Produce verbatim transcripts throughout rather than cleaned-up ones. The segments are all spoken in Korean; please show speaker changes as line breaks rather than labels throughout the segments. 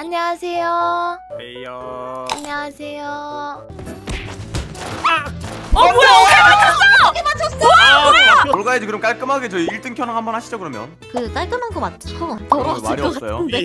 안녕하세요.
에이요.
안녕하세요.
어 뭐야?
어떻게 맞췄어?
아,
뭘 가야지 그럼 깔끔하게 저희 일 등 켜랑 한번 하시죠 그러면.
그 깔끔한 거 맞죠? 더러웠을
말이
것
없어요.
같은데.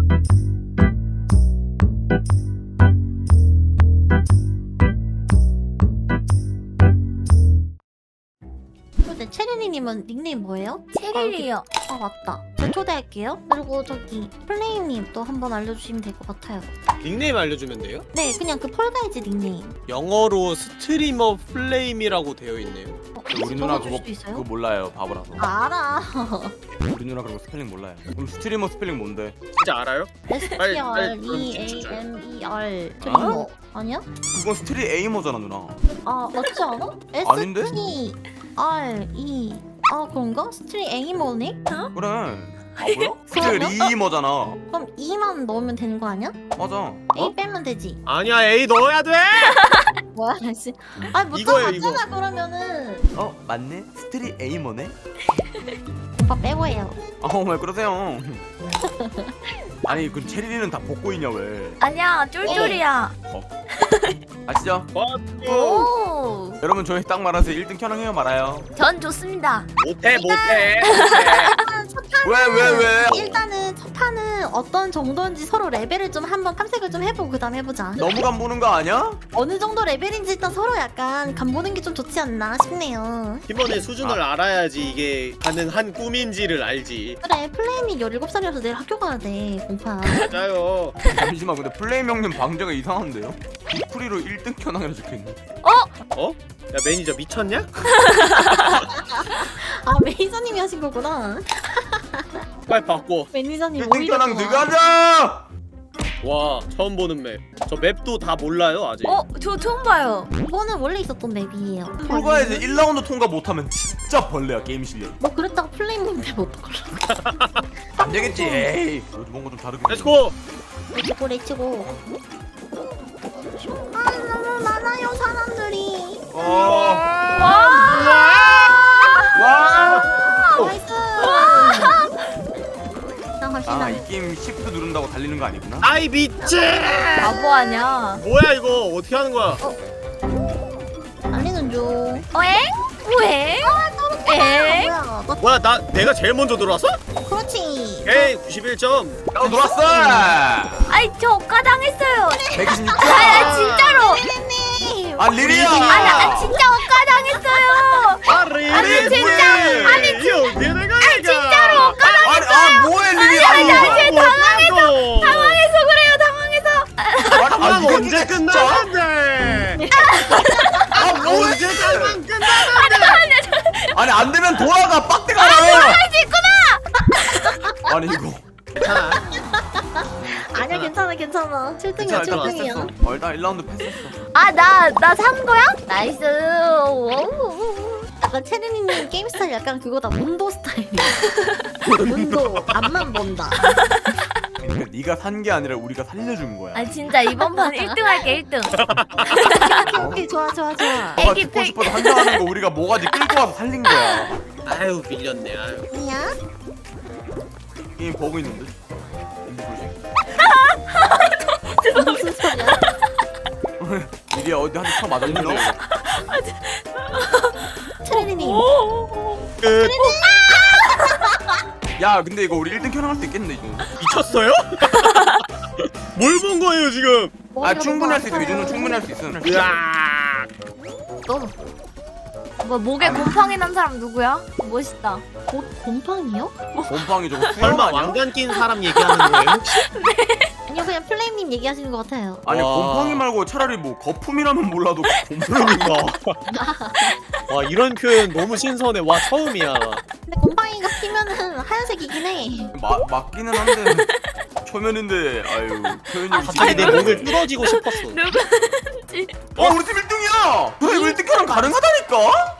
근데 체리님은 닉네임 뭐예요?
체리리요.
아 맞다. 저 초대할게요. 그리고 저기 플레이님 또 한번 알려주시면 될 것 같아요.
닉네임 알려주면 돼요?
네, 그냥 그 폴가이즈 닉네임.
영어로 스트리머 플레임이라고 되어 있네요.
어,
우리 누나
적어줄
그거
수도 있어요?
그거 몰라요 바보라서.
아, 알아.
우리 누나 그런 거 스펠링 몰라요. 그럼 스트리머 스펠링 뭔데?
진짜 알아요?
S T
빨리,
R
빨리
E
그럼
A
진짜
M E R 트리머 아니야?
그건 스트리 에이머잖아 누나.
아 맞지 않아?
아닌데?
S T R E 아 그런가? 스트리 에이머네?
그래. 아 뭐야? 스트리머잖아.
그럼 E만 넣으면 되는 거 아니야?
맞아.
A 빼면 되지.
아니야, A 넣어야 돼.
뭐야 다시? 아니 못
이거예요,
맞잖아 그러면은.
어 맞네. 스트리 에이머네.
오빠 빼고 해요.
아왜 그러세요? 아니 그 체리는 다 벗고 있냐 왜?
아니야, 쫄쫄이야.
아시죠?
어,
오,
여러분 저희 딱 말아서 일 등 켜랑 해요 말아요.
전 좋습니다.
못해, 못해.
왜 왜 왜?
일단은 첫 판은 어떤 정도인지 서로 레벨을 좀 한번 탐색을 좀 해보고 그 다음 해보자.
너무 간 보는 거 아니야?
어느 정도 레벨인지 일단 서로 약간 간보는 게 좀 좋지 않나 싶네요.
팀원의 수준을 알아야지 이게 가능한 꿈인지를 알지.
그래 플레임이 열일곱 살이라서 내일 학교 가야 돼 공파.
맞아요.
잠시만 근데 플레임 형님 방제가 이상한데요? 디프리로 일 등 켜랑이라 적혀있네.
어? 야, 매니저 미쳤냐?
아 매니저님이 하신 거구나.
빨리 바꿔.
매니저님
일 등
오히려
켜랑
좋아.
들어가자!
와, 처음 보는 맵. 저 맵도 다 몰라요, 아직.
어, 저 처음 봐요.
이거는 원래 있었던 맵이에요.
풀가에서 일 라운드 통과 못하면 진짜 벌레야 게임 실력.
뭐 그랬다가 플레임님 맵 어떡하려고.
안 되겠지 에이. 요즘 뭔가 좀 다르게.
렛츠고!
레치고 레치고. 아 너무 많아요 사람들이.
어.
와,
와!
나이스. 나 갑시다.
아, 이 게임 시프트 누른다고 달리는 거 아니구나?
아이, 미치!
바보 아니야.
뭐야, 이거. 어떻게 하는 거야?
달리는 중.
어엥? 뭐해? 엥?
뭐야? 너
뭐야, 나, 내가 제일 먼저 들어왔어?
그렇지.
오케이, 구십일 점.
나 들어왔어!
아이, 저 억가당했어요.
백이십육 점!
아, 진짜로.
님.
아, 리리야!
아, 나 진짜 억가당했어요.
아, 리리!
아니, 진짜. 아니,
이거 내가
아니, 진짜로 억가당.
아니, 아, 뭐해, 리리야!
아니, 아니, 아니,
당황해서!
당황해서 그래요, 당황해서.
아니,
아,
이거
언제
진짜?
끝나는데?
아, 뭐해!
언제 끝나면 끝나는데?
아니, 안 되면 돌아가, 빡대 가라!
할수 있구나.
아니, 이거.
괜찮아.
아니야 괜찮아 괜찮아. 칠 등이야
괜찮아,
칠
일단
등이야.
패스했어. 어, 일단 일 라운드 패스했어.
아, 나, 나 산 거야? 나이스. 오우.
약간 체리님 게임 스타일 약간 그거다 문도 스타일이야. 문도 앞만 본다.
그러니까 네가 산 게 아니라 우리가 살려준 거야.
아, 진짜 이번 판 일 등 할게, 일 등.
오케이 오케이 좋아 좋아 좋아.
너가
애기
죽고
팩.
싶어서 한장하는 거 우리가 뭐가지 끌고 와서 살린 거야.
아유, 밀렸네, 아유.
뭐야?
게임 버그 있는데.
무슨 소리야?
리리야 어디 한대 쳐 맞았니 너?
체리님.
끝.
야 근데 이거 우리 일 등 켜나갈 수 있겠네 이거.
미쳤어요? 뭘 본 거예요, 지금?
아 충분히 할 수 있어. 이 정도 충분히 할 수 있어.
으악.
너
뭐, 목에 곰팡이 난 사람 누구야? 멋있다.
곧 곰팡이요?
곰팡이 저거 수염
설마
아니야?
왕관 낀 사람 얘기하는 거예요, 혹시?
아니요 그냥 플레임님 얘기하시는 것 같아요.
아니
와.
곰팡이 말고 차라리 뭐 거품이라면 몰라도 곰팡이가.
와, 이런 표현 너무 신선해. 와, 처음이야.
근데 곰팡이가 피면은 하얀색이긴 해.
마, 맞기는 한데 초면인데 아유 표현이
갑자기 내 목을 뚫어지고 싶었어.
누구지?
어 우리 팀 일 등이야! 그래 이거 일 등 켜랑 가능하다니까?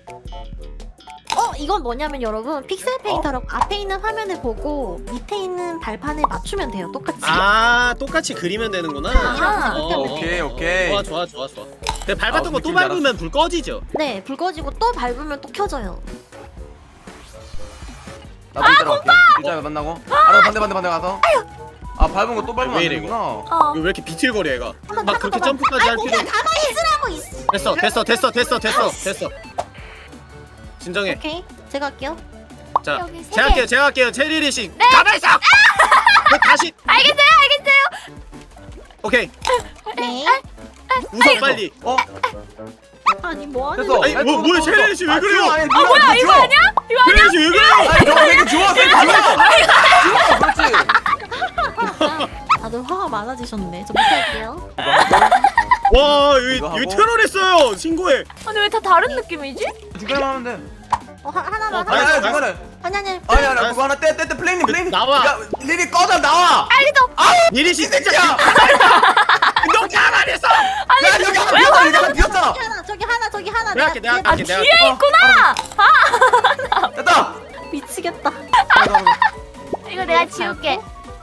어 이건 뭐냐면 여러분 픽셀 페인터로 앞에 있는 화면을 보고 밑에 있는 발판에 맞추면 돼요 똑같이.
아, 똑같이 그리면 되는구나.
아,
어,
오케이 오케이.
좋아, 좋아, 좋아, 좋아. 근데 밟았던
아,
거 또
느낌
밟으면 불 꺼지죠?
네, 불 꺼지고 또 밟으면 또 켜져요.
나도 이따라 갈게. 일자에 만나고. 알아 반대 반대 반대 가서. 아 밟은 거 또 밟으면
왜
안
이래,
되는구나.
어.
이거 왜 이렇게 비틀거려 얘가?
한번
막 그렇게
잠깐만.
점프까지 할
아니,
필요.
그냥 가만히 있으라고 있어.
됐어 됐어 됐어 됐어 됐어 됐어 됐어. 진정해.
오케이, 제가 할게요.
자,
여기 세
제가
개.
할게요 제가 할게요 체리리 씨. 가만 있어. 그 다시.
알겠어요, 알겠어요.
오케이.
네.
웃어 빨리.
어?
아니 뭐 하는
됐어.
아니,
야,
뭐,
또,
뭐야,
또,
체리리
또.
씨 왜
아,
그래요?
줘, 아니,
아
누나,
뭐야
줘.
이거 아니야? 이거 아니야?
체리리 씨 왜 그래요?
아니 너 되게 좋아 되게 좋아. 그렇지.
다들 화가 많아지셨네. 저 못할게요.
와 여기
이거
여기
하고.
테러했어요. 신고해.
아니 왜 다 다른 느낌이지?
중간에만 하면 돼.
어 하, 하나만
어,
아니
하나.
아니 중간에.
아니 아니.
아니 아니 그거 하나 떼떼떼 플레이님 플레이님.
나와.
야 리리 꺼져 나와.
알겠어.
니리 씨 진짜.
야.
너 가만히 있어.
야 여기 하나 비었잖아 여기 하나 비었잖아.
저기 하나, 저기 하나, 저기 하나.
내가 할게, 내가
내가-
할게, 내가
뒤에
할게.
있구나.
됐다.
미치겠다.
이거 내가 지울게.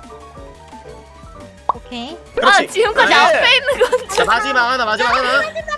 오케이.
그렇지.
아 지금까지
네.
앞에 있는 건
자 마지막 하나 마지막 하나.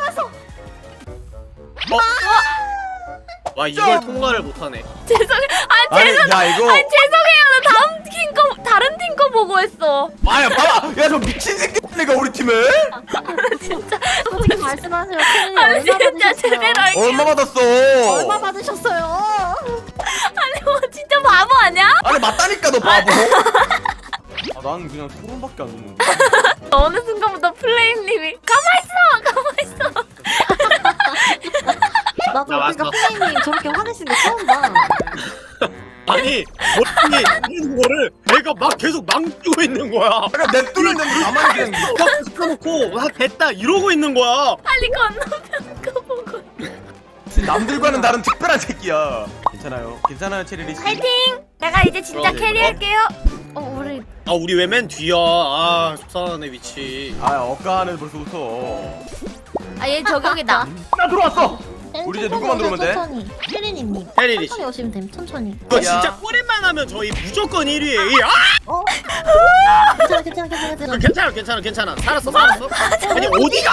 어? 와 이걸 통과를 못하네.
죄송해. 아
아니
죄송.
야 이거.
아니 죄송해요. 나 다음 팀 거 다른 팀 거 보고 했어.
아야 봐봐. 야 저 미친 새끼가 우리 팀을.
진짜.
어떻게 말씀하세요? 팬이
아니
얼마
진짜
받으셨어요?
제대로 할게.
얼마 받았어?
얼마 받으셨어요?
아니 뭐 진짜 바보 아니야?
아니 맞다니까 너 바보. 아 나는 그냥 소름밖에 안 돋는데.
어느 순간부터 플레임님이 가만 있어, 가만 있어.
나도
나
그러니까
왔어.
플레이님 저렇게 화내시는 거 처음 봐.
아니 머리에 있는 거를 내가 막 계속 망치고 있는 거야.
그러니까 냅두는데 가만히 그냥.
막 시켜놓고 아 됐다 이러고 있는 거야.
빨리 건너편 거 보고.
남들과는 다른 특별한 새끼야. 괜찮아요. 괜찮아요 체리리 씨.
파이팅! 내가 이제 진짜
그럼,
캐리할게요. 어 우리
아 우리 왜 맨 뒤야? 아 속상하네 위치.
아 억까하네 벌써부터.
아 얘 저격이다.
나 들어왔어. 우리 이제 누구만 들어오면 돼?
천천히. 혜린이님.
혜린이 씨.
천천히 오시면 됨. 천천히.
이거
야.
진짜 꼬리만 하면 저희 무조건 일 위에. 아!
어? 괜찮아, 괜찮아, 괜찮아, 괜찮아.
괜찮아 괜찮아 괜찮아. 살았어 살았어. 아니 어디가?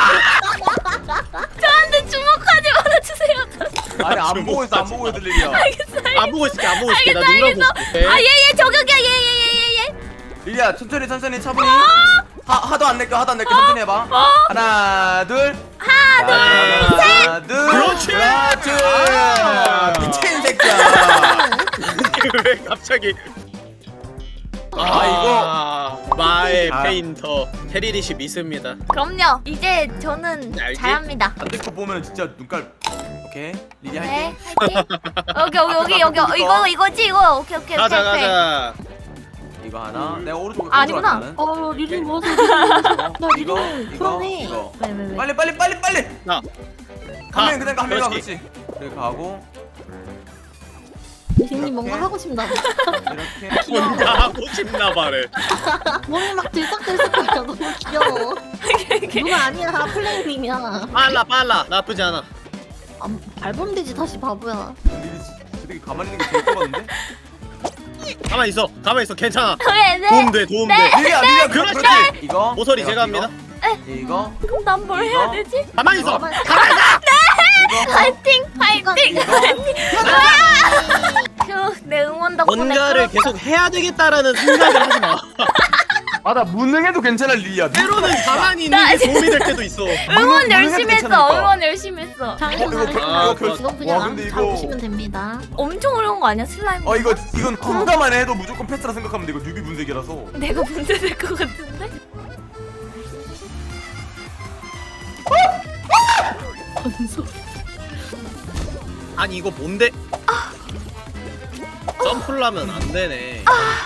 저한테 주목하지 말아주세요.
아니 안 보고 있어 안 보고 있을 일이야.
알겠어요.
안 보고 있을게 안 보고 있을게. 나
알겠어,
눈감 보고 있을게.
아 얘 얘 저격이야 얘 얘 얘 얘얘.
리리야 천천히 천천히 차분히. 하 하도 안 낼게 하도 안 낼게 천천히 해봐. 하나 둘. 하나 둘 하나 둘.
그렇지.
그렇지.
아.
미친 새끼야.
왜 갑자기?
아, 이거.
마의
아.
페인터 테리리 씨 믿습니다.
그럼요. 이제 저는
알지?
잘합니다.
반대 거 보면 진짜 눈깔. 오케이 리리 할게.
네, 화이팅. 여기 여기 여기 여기 이거 이거지 이거. 오케이 오케이
가자
오케이. 오케이.
가자.
이거 하나. 내가 오른쪽에
아, 아니구나.
가져왔다는.
어, 리리 뭐지? 나
이거,
리리
이거,
불안해.
이거.
왜, 왜, 왜?
빨리 빨리 빨리 빨리.
나.
가면 그냥 가면 가
그렇지.
그렇지. 그래 가고
리리님 뭔가
이렇게.
하고 싶나 봐.
이렇게.
혼자 하고 싶나 봐래.
몸이 막 들썩들썩거려. 너무 귀여워. 누가 아니야, 플레이님이야.
빨라 빨라 나쁘지 않아.
아, 밟으면 되지, 다시 바보야.
리리 되게 가만히 있는 게 제일 좋았는데.
가만 있어 가만 있어 괜찮아.
네 네.
도움 돼 도움 돼.
리리야 리리야
그렇지.
그렇지. 이거
모서리
이거,
제가 합니다.
이거, 이거
그럼 난 뭘 해야
이거?
되지?
가만 있어.
가만히
가만 있어.
이거.
파이팅 파이팅.
이거.
휴, 내 응원 덕분에
뭔가를
끌었다.
계속 해야 되겠다라는 생각을 하지 마.
아나 무능해도 괜찮아 리리야.
때로는 가만히 있는 게 도움이 될 때도 있어.
응원
무능-
열심히
무능해도
했어.
괜찮으니까.
응원 열심히 했어.
잘해서
어, 이거
잘해서.
별-
아,
이거 별-
이건
와,
그냥
근데
잘
이거-
보시면 됩니다.
엄청 어려운 거 아니야 슬라임?
어 이거 이건 통과만 해도 무조건 패스라 생각하면 돼. 이거 뉴비 분석이라서.
내가 문제 될 것 같은데?
건소.
아니 이거 뭔데? 점프를 하면 안 되네.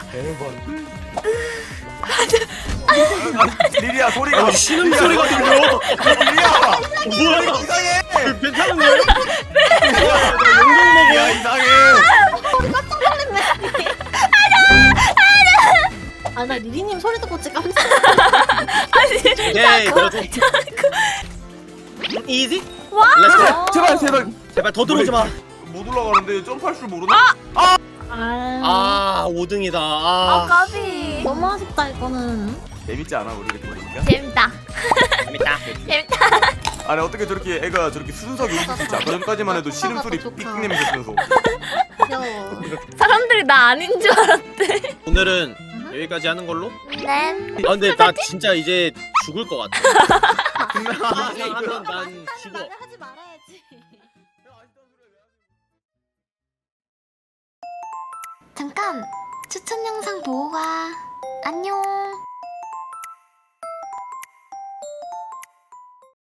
리리야 소리가.
아, 쉬는 소리가 들려.
리리야.
뭐야 이거?
이상해.
괜찮은 거야? 용동목이야.
야 이상해.
아, 나 리리님 소리 듣고 진짜 깜짝
오케이 그래도 이지?
와!
렛츠고.
제발 제발.
제발 더 들어오지 마.
못 올라가는데 점프할 줄 모르나?
아,
아 오 등이다.
아
아
까비.
너무 아쉽다, 이거는.
재밌지 않아 우리 이렇게 보니까?
재밌다.
재밌다.
재밌다.
아니 어떻게 저렇게 애가 저렇게 순수하게 웃을 수 있지? 아까 전까지만 해도 신음소리
좋다.
삑 내면서 쓰면서.
귀여워.
사람들이 나 아닌 줄 알았대.
오늘은 여기까지 하는 걸로?
네.
아 근데 나 진짜 이제 죽을 것 같아.
분명
아, 하면 난 죽어.
하지 말아야지.
잠깐 추천 영상 보고 가. 안녕.